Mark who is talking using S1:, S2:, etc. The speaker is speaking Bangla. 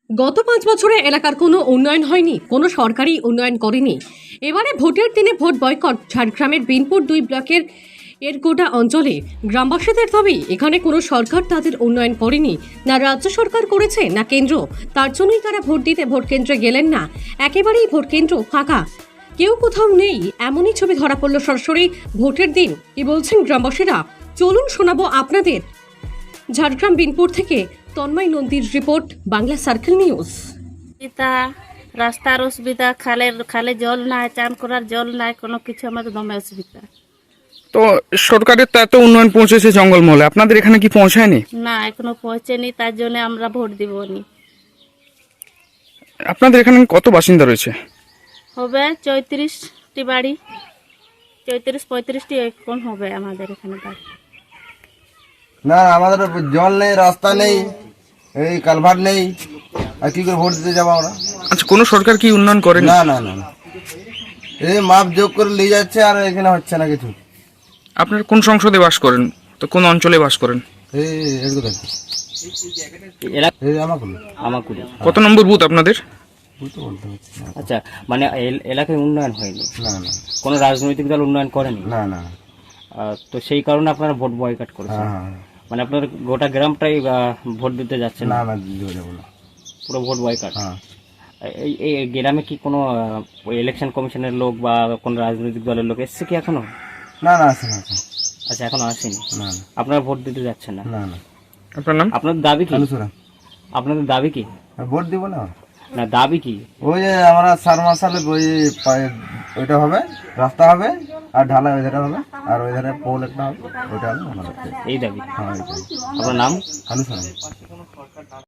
S1: গত 5 বছরে এলাকার কোনো উন্নয়ন হয়নি, কোনো সরকারি উন্নয়ন করেনি। এবারে ভোটের দিনে ভোট বয়কট। ঝাড়গ্রামের বিনপুর 2 ব্লকের এরগোটা অঞ্চলে গ্রামবাসীদের দাবি, এখানে কোনো সরকার তাদের উন্নয়ন করেনি, না রাজ্য সরকার করেছে না কেন্দ্র। তার জন্যই তারা ভোট দিতে ভোট কেন্দ্রে গেলেন না। একেবারেই ভোট কেন্দ্র ফাঁকা, কেউ কোথাও নেই, এমনই ছবি ধরা পড়ল সরাসরি ভোটের দিন। কি বলছেন গ্রামবাসীরা, চলুন শোনাবো আপনাদের। ঝাড়গ্রাম বিনপুর থেকে তন্ময় নন্দীর রিপোর্ট, বাংলা সার্কেল নিউজ।
S2: রাস্তার অসুবিধা, খালে জল নাই, চান করার জল নাই, কোনো কিছু আমাদের দমে অসুবিধা।
S3: তো সরকারের তো এত উন্নয়ন পৌঁছেছে জঙ্গলমহলে, আপনাদের এখানে কি পৌঁছায়নি?
S2: না, এখনো পৌঁছেনি, তার জন্য আমরা ভোট দিবনি।
S3: আপনাদের এখানে কত বাসিন্দা রয়েছে?
S2: হবে 34টি বাড়ি, 34-35টি এরকম হবে আমাদের এখানে বাড়ি।
S4: না, আমাদের জল নেই, রাস্তা নেই, এই কালভার্ট নেই, আর কি করে ভোট দিতে যাবো আমরা?
S3: আচ্ছা, কোনো সরকার কি উন্নয়ন করেনি?
S4: না না না না, এই মাপ যোগ করে নিয়ে যাচ্ছে আর এখানে হচ্ছে না কিছু।
S3: আপনারা কোন সংসদে বাস করেন, তো কোন অঞ্চলে বাস করেন?
S4: এই এরকম থাকছে এই
S5: আমাকুড়ি।
S3: কত নম্বর বুথ আপনাদের?
S4: বুঝতে বলতে হচ্ছে না।
S5: আচ্ছা, মানে এলাকায় উন্নয়ন হয়নি,
S4: না না
S5: কোনো রাজনৈতিক দল উন্নয়ন করেনি।
S4: না না,
S5: তো সেই কারণে আপনারা ভোট বয়কট করেছেন।
S4: হ্যাঁ হ্যাঁ,
S5: মানে আপনার গোটা গ্রামটাই ভোট দিতে যাচ্ছেন
S4: না
S5: না,
S4: না দিতে যাবো না।
S5: পুরো ভোট বয়কট।
S4: হ্যাঁ,
S5: এই গ্রামে কি কোনো ইলেকশন কমিশনের লোক বা কোনো রাজনৈতিক দলের লোক এসছে কি এখনো?
S4: না না আছে না,
S5: আচ্ছা, এখনো আসেনি।
S4: না
S5: আপনারা ভোট দিতে যাচ্ছেন না।
S4: না না।
S3: আপনার নাম?
S5: আপনাদের দাবি কি?
S4: আলোচনা
S5: আপনাদের দাবি কি?
S4: ভোট দিব না।
S5: না, দাবি কি?
S4: ওই যে আমরা 4 মাস সালে ওই ওইটা হবে, রাস্তা হবে আর ঢালাই ওই ধারে হবে, আর ওই ধারে পোল একটা হবে, ওইটা হবে আমাদের।
S5: এই দাবি।
S4: হ্যাঁ,
S5: আপনার নাম?
S4: আলোচনা।